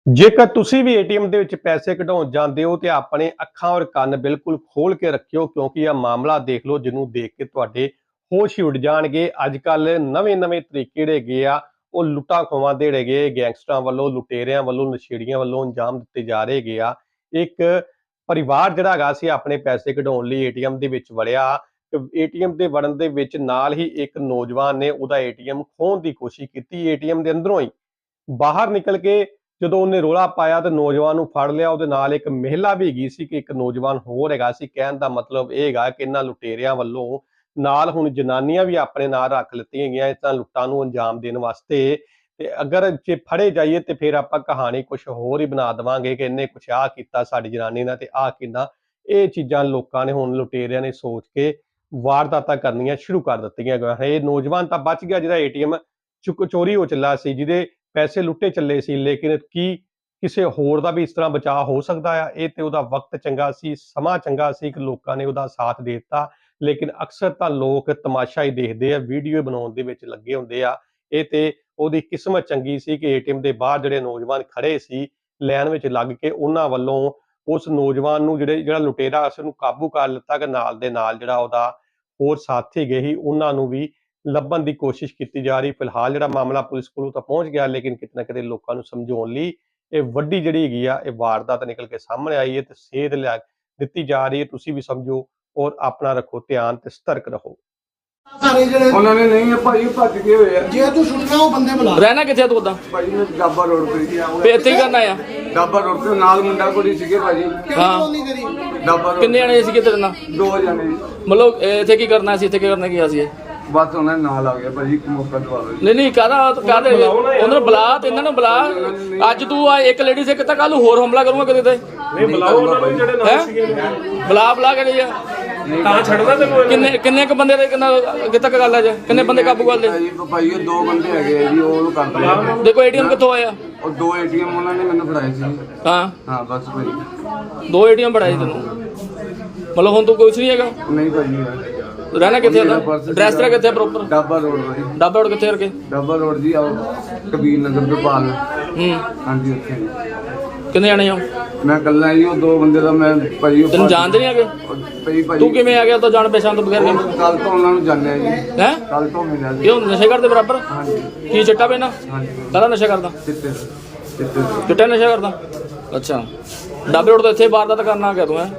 ਜੇਕਰ ਤੁਸੀਂ ਵੀ ਏਟੀਐਮ ਦੇ ਵਿੱਚ ਪੈਸੇ ਕਢਾਉਣ ਜਾਂਦੇ ਹੋ ਤੇ ਆਪਣੇ ਅੱਖਾਂ ਔਰ ਕੰਨ ਬਿਲਕੁਲ ਖੋਲ ਕੇ ਰੱਖਿਓ ਕਿਉਂਕਿ ਇਹ ਮਾਮਲਾ ਦੇਖ ਲਓ ਜਿਹਨੂੰ ਦੇਖ ਕੇ ਤੁਹਾਡੇ ਹੋਸ਼ ਹੀ ਉੱਡ ਜਾਣਗੇ। ਅੱਜ ਕੱਲ ਨਵੇਂ-ਨਵੇਂ ਤਰੀਕੇ ਜਿਹੜੇ ਹੈਗੇ ਆ ਉਹ ਲੁੱਟਾਂ ਖੋਹਾਂ ਦੇ ਜਿਹੜੇ ਹੈਗੇ ਗੈਂਗਸਟਰਾਂ ਵੱਲੋਂ, ਲੁਟੇਰਿਆਂ ਵੱਲੋਂ, ਨਸ਼ੇੜੀਆਂ ਵੱਲੋਂ ਅੰਜਾਮ ਦਿੱਤੇ ਜਾ ਰਹੇ ਹੈਗੇ ਆ। ਇੱਕ ਪਰਿਵਾਰ ਜਿਹੜਾ ਹੈਗਾ ਸੀ ਆਪਣੇ ਪੈਸੇ ਕਢਾਉਣ ਲਈ ਏਟੀਐਮ ਦੇ ਵਿੱਚ ਵੜਿਆ। ਏਟੀਐਮ ਦੇ ਵੜਨ ਦੇ ਵਿੱਚ ਨਾਲ ਹੀ ਇੱਕ ਨੌਜਵਾਨ ਨੇ ਉਹਦਾ ਏਟੀਐਮ ਖੋਹਣ ਦੀ ਕੋਸ਼ਿਸ਼ ਕੀਤੀ। ਏਟੀਐਮ ਦੇ ਅੰਦਰੋਂ ਹੀ ਬਾਹਰ ਨਿਕਲ ਕੇ ਜਦੋਂ ਉਹਨੇ ਰੌਲਾ ਪਾਇਆ ਤੇ ਨੌਜਵਾਨ ਨੂੰ ਫੜ ਲਿਆ। ਉਹਦੇ ਨਾਲ ਇੱਕ ਮਹਿਲਾ ਵੀ ਹੈਗੀ ਸੀ ਕਿ ਇੱਕ ਨੌਜਵਾਨ ਹੋਰ ਹੈਗਾ ਸੀ। ਕਹਿਣ ਦਾ ਮਤਲਬ ਇਹ ਹੈਗਾ ਕਿ ਇਹਨਾਂ ਲੁਟੇਰਿਆਂ ਵੱਲੋਂ ਨਾਲ ਹੁਣ ਜਨਾਨੀਆਂ ਵੀ ਆਪਣੇ ਨਾਲ ਰੱਖ ਲਿੱਤੀਆਂ ਗਈਆਂ ਇਸ ਤਰ੍ਹਾਂ ਲੁੱਟਾਂ ਨੂੰ ਅੰਜਾਮ ਦੇਣ ਵਾਸਤੇ। ਤੇ ਅਗਰ ਜੇ ਫੜੇ ਜਾਈਏ ਤੇ ਫਿਰ ਆਪਾਂ ਕਹਾਣੀ ਕੁਛ ਹੋਰ ਹੀ ਬਣਾ ਦੇਵਾਂਗੇ ਕਿ ਇਹਨੇ ਕੁਛ ਆਹ ਕੀਤਾ ਸਾਡੀ ਜਨਾਨੀ ਨਾਲ ਤੇ ਆਹ ਕਿੰਨਾ। ਇਹ ਚੀਜ਼ਾਂ ਲੋਕਾਂ ਨੇ ਹੁਣ ਲੁਟੇਰਿਆਂ ਨੇ ਸੋਚ ਕੇ ਵਾਰਦਾਤਾਂ ਕਰਨੀਆਂ ਸ਼ੁਰੂ ਕਰ ਦਿੱਤੀਆਂ ਗਈਆਂ। ਇਹ ਨੌਜਵਾਨ ਤਾਂ ਬਚ ਗਿਆ ਜਿਹਦਾ ਏਟੀਐਮ ਚੋਰੀ ਹੋ ਚੱਲਾ ਸੀ, ਜਿਹਦੇ ਪੈਸੇ ਲੁੱਟੇ ਚੱਲੇ ਸੀ, ਲੇਕਿਨ ਕੀ ਕਿਸੇ ਹੋਰ ਦਾ ਵੀ ਇਸ ਤਰ੍ਹਾਂ ਬਚਾਅ ਹੋ ਸਕਦਾ ਆ? ਇਹ ਤੇ ਉਹਦਾ ਵਕਤ ਚੰਗਾ ਸੀ, ਸਮਾਂ ਚੰਗਾ ਸੀ ਕਿ ਲੋਕਾਂ ਨੇ ਉਹਦਾ ਸਾਥ ਦੇ ਦਿੱਤਾ। ਲੇਕਿਨ ਅਕਸਰ ਤਾਂ ਲੋਕ ਤਮਾਸ਼ਾ ਹੀ ਦੇਖਦੇ ਆ, ਵੀਡੀਓ ਬਣਾਉਣ ਦੇ ਵਿੱਚ ਲੱਗੇ ਹੁੰਦੇ ਆ। ਇਹ ਤੇ ਉਹਦੀ ਕਿਸਮਤ ਚੰਗੀ ਸੀ ਕਿ ਏਟੀਐਮ ਦੇ ਬਾਹਰ ਜਿਹੜੇ ਨੌਜਵਾਨ ਖੜੇ ਸੀ ਲਾਈਨ ਵਿੱਚ ਲੱਗ ਕੇ ਉਹਨਾਂ ਵੱਲੋਂ ਉਸ ਨੌਜਵਾਨ ਨੂੰ ਜਿਹੜਾ ਲੁਟੇਰਾ ਉਸ ਨੂੰ ਕਾਬੂ ਕਰ ਲਿੱਤਾ ਕਿ ਨਾਲ ਦੇ ਨਾਲ ਜਿਹੜਾ ਉਹਦਾ ਹੋਰ ਸਾਥੀ ਗਏ ਸੀ ਉਹਨਾਂ ਨੂੰ ਵੀ ਲੱਭਣ ਦੀ ਕੋਸ਼ਿਸ਼ ਕੀਤੀ ਜਾ ਰਹੀ। ਫਿਲਹਾਲ ਜਿਹੜਾ ਮਾਮਲਾ ਪੁਲਿਸ ਕੋਲੋਂ ਤਾਂ ਪਹੁੰਚ ਗਿਆ, ਲੇਕਿਨ ਕਿਤੇ ਨਾ ਕਿਤੇ ਲੋਕਾਂ ਨੂੰ ਸਮਝਾਉਣ ਲਈ ਇਹ ਵੱਡੀ ਜਿਹੜੀ ਹੈਗੀ ਆ ਇਹ ਵਾਰਦਾਤ ਨਿਕਲ ਕੇ ਸਾਹਮਣੇ ਆਈ ਹੈ ਤੇ ਸੇਧ ਲਿਆ ਦਿੱਤੀ ਜਾ ਰਹੀ ਹੈ। ਤੁਸੀਂ ਵੀ ਸਮਝੋ ਔਰ ਆਪਣਾ ਰੱਖੋ ਧਿਆਨ ਤੇ ਸਤਰਕ ਰਹੋ। ਸਾਰੇ ਜਿਹੜੇ ਉਹਨਾਂ ਨੇ ਨਹੀਂ ਆ ਭਾਈ ਭੱਜ ਗਏ ਹੋਏ ਆ। ਜੇ ਤੂੰ ਸੁਣਨਾ ਉਹ ਬੰਦੇ ਬੁਲਾ। ਰਹਿਣਾ ਕਿੱਥੇ ਤੂੰ ਉਦਾਂ? ਭਾਈ ਮੈਂ ਡਾਬਾ ਰੋਡ ਤੇ ਗਿਆ ਤੇ ਇੱਥੇ ਹੀ ਕਰਨਾ ਆ? ਡਾਬਾ ਰੋਡ ਤੇ ਨਾਲ ਮੁੰਡਾ ਕੁੜੀ ਸੀਗੇ ਭਾਜੀ। ਹਾਂ। ਨਹੀਂ ਕਰੀ ਡਾਬਾ ਰੋਡ ਕਿੰਨੇ ਜਣੇ ਸੀਗੇ ਤੇਰੇ ਨਾਲ? ਦੋ ਜਣੇ ਜੀ। ਮਤਲਬ ਇੱਥੇ ਕੀ ਕਰਨਾ ਸੀ? ਇੱਥੇ ਕੀ ਕਰਨਾ ਗਿਆ ਸੀ ਇਹ? ਬਸ ਉਹਨਾਂ ਦੇ ਨਾਲ ਆ ਗਿਆ ਭਾਜੀ, ਇੱਕ ਮੌਕਾ ਦਵਾ ਦਿਓ ਜੀ। ਨਹੀਂ ਕਾਹਦੇ ਉਹਨਾਂ ਨੂੰ ਬੁਲਾ ਤੇ ਇਹਨਾਂ ਨੂੰ ਬੁਲਾ। ਅੱਜ ਤੂੰ ਆ ਇੱਕ ਲੇਡੀ ਸੇ ਕਿਤਾ, ਕੱਲ ਨੂੰ ਹੋਰ ਹਮਲਾ ਕਰੂੰਗਾ ਕਿਤੇ ਤੇ। ਨਹੀਂ ਬੁਲਾਓ ਉਹਨਾਂ ਨੂੰ ਜਿਹੜੇ ਨਾਲ ਸੀਗੇ। ਬੁਲਾ ਕੇ ਗਈ ਆ ਤਾਂ ਛੱਡਦਾ ਤੈਨੂੰ। ਕਿੰਨੇ ਕ ਬੰਦੇ ਦੇ ਕਿਤੇ ਤੱਕ ਗੱਲ ਆ? ਜੀ ਕਿੰਨੇ ਬੰਦੇ ਕਾਬੂ ਕਰ ਲਏ? ਭਾਈ ਉਹ ਦੋ ਬੰਦੇ ਹੈਗੇ ਆ ਜੀ, ਉਹ ਕਰ ਲਿਆ। ਦੇਖੋ ਏਟੀਐਮ ਕਿੱਥੋਂ ਆਇਆ? ਉਹ ਦੋ ਏਟੀਐਮ ਉਹਨਾਂ ਨੇ ਮੈਨੂੰ ਫੜਾਏ ਸੀ। ਹਾਂ ਹਾਂ ਬਸ ਭਾਈ ਦੋ ਏਟੀਐਮ ਫੜਾਏ ਤੈਨੂੰ। ਮਤਲਬ ਹੁਣ ਤੂੰ ਕੁਛ ਨਹੀਂ ਹੈਗਾ? ਨਹੀਂ ਭਾਜੀ। ਰਹਿਣਾ ਕਿੱਥੇ ਉਹਦਾ? ਐਡਰੈਸ ਤੇਰਾ ਕਿੱਥੇ ਪ੍ਰੋਪਰ? ਡਾਬਾ ਰੋਡ ਭਾਈ। ਡਾਬਾ ਰੋਡ ਕਿੱਥੇ ਕਰਕੇ? ਡਾਬਾ ਰੋਡ ਜੀ ਆਓ ਕਬੀਰ ਨਗਰ ਤੋਂ ਪਾਲ। ਹਾਂਜੀ ਉੱਥੇ ਕਿੰਨੇ ਜਾਣੇ ਹੋ? ਮੈਂ ਇਕੱਲਾ ਜੀ, ਉਹ ਦੋ ਬੰਦੇ ਦਾ ਮੈਂ ਭਾਈ ਉਹ ਤੈਨੂੰ ਜਾਣਦੇ ਨਹੀਂ ਹੈਗੇ? ਭਾਈ ਤੂੰ ਕਿਵੇਂ ਆ ਗਿਆ ਤਾਂ ਜਾਣ ਪਛਾਣ ਤੋਂ ਬਗੈਰ? ਕੱਲ ਤੋਂ ਉਹਨਾਂ ਨੂੰ ਜਾਣਿਆ ਜੀ। ਹੈ ਕੱਲ ਤੋਂ ਮਿਲਿਆ ਜੀ। ਕਿਉਂ ਨਸ਼ੇ ਕਰਦੇ ਬਰਾਬਰ? ਹਾਂਜੀ ਕੀ ਚਿੱਟਾ ਪੈਣਾ? ਹਾਂਜੀ ਕਾਹਦਾ ਨਸ਼ਾ ਕਰਦਾ? ਚਿੱਟੇ ਚਿੱਟਾ ਨਸ਼ਾ ਕਰਦਾ? ਅੱਛਾ, ਡਾਬੇ ਰੋਡ ਤੋਂ ਇੱਥੇ ਵਾਰਦਾਤ ਕਰਨਾ ਆ ਗਿਆ ਤੂੰ? ਹੈ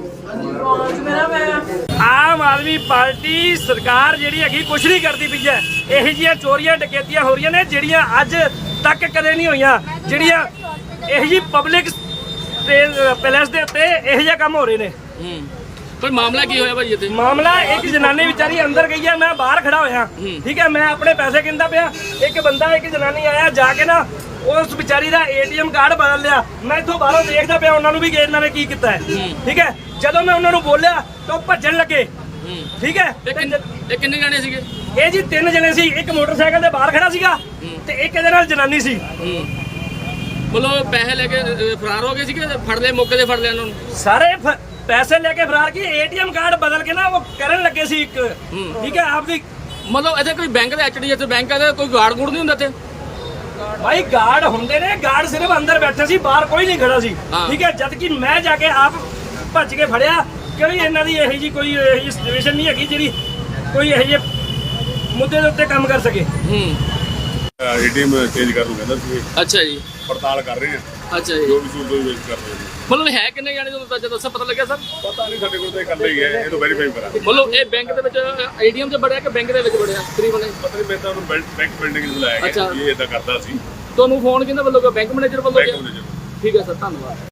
ਆਮ ਆਦਮੀ ਪਾਰਟੀ ਸਰਕਾਰ ਜਿਹੜੀ ਹੈਗੀ ਕੁਛ ਨਹੀਂ ਕਰਦੀ ਪਈ ਹੈ। ਇਹੋ ਜਿਹੀਆਂ ਚੋਰੀਆਂ ਡਕੈਤੀਆਂ ਹੋ ਰਹੀਆਂ ਨੇ ਜਿਹੜੀਆਂ ਅੱਜ ਤੱਕ ਕਦੇ ਨਹੀਂ ਹੋਈਆਂ। ਜਿਹੜੀਆਂ ਇਹੋ ਜਿਹੀ ਪਬਲਿਕ ਪੈਲੇਸ ਦੇ ਉੱਤੇ ਇਹੋ ਜਿਹੇ ਕੰਮ ਹੋ ਰਹੇ ਨੇ। ਕੋਈ ਮਾਮਲਾ ਕੀ ਹੋਇਆ ਭਾਈ ਇੱਥੇ? ਮਾਮਲਾ ਇੱਕ ਜਨਾਨੀ ਵਿਚਾਰੀ ਅੰਦਰ ਗਈ ਹੈ, ਮੈਂ ਬਾਹਰ ਖੜਾ ਹੋਇਆ। ਠੀਕ ਹੈ, ਮੈਂ ਆਪਣੇ ਪੈਸੇ ਗਿਣਦਾ ਪਿਆ। ਇੱਕ ਬੰਦਾ ਇੱਕ ਜਨਾਨੀ ਆਇਆ, ਜਾ ਕੇ ਨਾ ਉਸ ਵਿਚਾਰੀ ਦਾ ਏਟੀਐਮ ਕਾਰਡ ਬਦਲ ਲਿਆ। ਮੈਂ ਇੱਥੋਂ ਬਾਹਰੋਂ ਦੇਖਦਾ ਪਿਆ ਉਹਨਾਂ ਨੂੰ ਵੀ ਇਹਨਾਂ ਨੇ ਕੀ ਕੀਤਾ ਹੈ। ਠੀਕ ਹੈ, ਜਦੋਂ ਮੈਂ ਉਹਨਾਂ ਨੂੰ ਬੋਲਿਆ ਤਾਂ ਉਹ ਭੱਜਣ ਲੱਗੇ। ਠੀਕ ਹੈ, ਇਹ ਕਿੰਨੇ ਜਾਣੇ ਸੀਗੇ? ਇਹ ਜੀ ਤਿੰਨ ਜਣੇ ਸੀ। ਇੱਕ ਮੋਟਰਸਾਈਕਲ ਤੇ ਬਾਹਰ ਖੜਾ ਸੀਗਾ ਤੇ ਇੱਕ ਇਹਦੇ ਨਾਲ ਜਨਾਨੀ ਸੀ। ਮਤਲਬ ਪੈਸੇ ਲੈ ਕੇ ਫਰਾਰ ਹੋ ਗਏ ਸੀਗੇ? ਫੜ ਲਏ ਮੌਕੇ ਤੇ? ਫੜ ਲਿਆ ਉਹਨਾਂ ਨੂੰ ਸਾਰੇ ਪੈਸੇ ਲੈ ਕੇ ਫਰਾਰ ਕੀ, ਏਟੀਐਮ ਕਾਰਡ ਬਦਲ ਕੇ ਨਾ ਉਹ ਕਰਨ ਲੱਗੇ ਸੀ ਇੱਕ। ਠੀਕ ਹੈ, ਆਪਦੀ ਮਤਲਬ ਇੱਥੇ ਕੋਈ ਬੈਂਕ ਦਾ HDFC ਬੈਂਕ ਦਾ ਕੋਈ ਗਾਰਡ ਗੂੜ ਨਹੀਂ ਹੁੰਦਾ ਇੱਥੇ? ਭਾਈ ਗਾਰਡ ਹੁੰਦੇ ਨੇ, ਗਾਰਡ ਸਿਰਫ ਅੰਦਰ ਬੈਠੇ ਸੀ, ਬਾਹਰ ਕੋਈ ਨਹੀਂ ਖੜਾ ਸੀ। ਠੀਕ ਹੈ, ਜਦ ਕਿ ਮੈਂ ਜਾ ਕੇ ਆਪ ਭੱਜ ਕੇ ਫੜਿਆ ਕਿਉਂਕਿ ਇਹਨਾਂ ਦੀ ਇਹੋ ਜਿਹੀ ਕੋਈ ਇਹੋ ਜਿਹੀ ਸਿਚੁਏਸ਼ਨ ਨਹੀਂ ਹੈਗੀ ਜਿਹੜੀ ਕੋਈ ਇਹੋ ਜਿਹੇ ਮੁੱਦੇ ਦੇ ਉੱਤੇ ਕੰਮ ਕਰ ਸਕੇ। ਏਟੀਐਮ ਚੇਂਜ ਕਰਨ ਨੂੰ ਕਹਿੰਦਾ ਸੀ। ਅੱਛਾ ਜੀ, ਪੜਤਾਲ ਕਰ ਰਹੇ ਆ ਅੱਛਾ ਜੀ। ਜੋ ਵੀ ਸੂਟ ਵੇਚ ਕਰ ਰਹੇ ਨੇ। ਮਤਲਬ ਹੈ ਕਿੰਨੇ ਜਾਣੇ ਜਦੋਂ ਦੱਸਿਆ ਪਤਾ ਲੱਗਿਆ ਸਰ? ਪਤਾ ਨਹੀਂ, ਸਾਡੇ ਕੋਲ ਤਾਂ ਇਕੱਲੇ ਹੀ ਹੈ, ਇਹ ਤੋਂ ਵੈਰੀਫਾਈ ਕਰਾਂਗੇ। ਮਤਲਬ ਇਹ ਬੈਂਕ ਦੇ ਵਿੱਚ ATM 'ਚ ਵੜਿਆ ਕਿ ਬੈਂਕ ਦੇ ਵਿੱਚ ਵੜਿਆ ਤਕਰੀਬਨ? ਪਤਾ ਨਹੀਂ, ਮੈਂ ਤਾਂ ਉਹਨੂੰ ਬੈਂਕ ਬਿਲਡਿੰਗ ਨੂੰ ਬੁਲਾਇਆ ਗਿਆ, ਇਹ ਇਦਾਂ ਕਰਦਾ ਸੀ। ਤੁਹਾਨੂੰ ਫੋਨ ਕਿਹਦਾ ਵੱਲੋਂ ਗਿਆ? ਬੈਂਕ ਮੈਨੇਜਰ ਵੱਲੋਂ ਗਿਆ? Bank manager. ਠੀਕ ਹੈ ਸਰ, ਧੰਨਵਾਦ।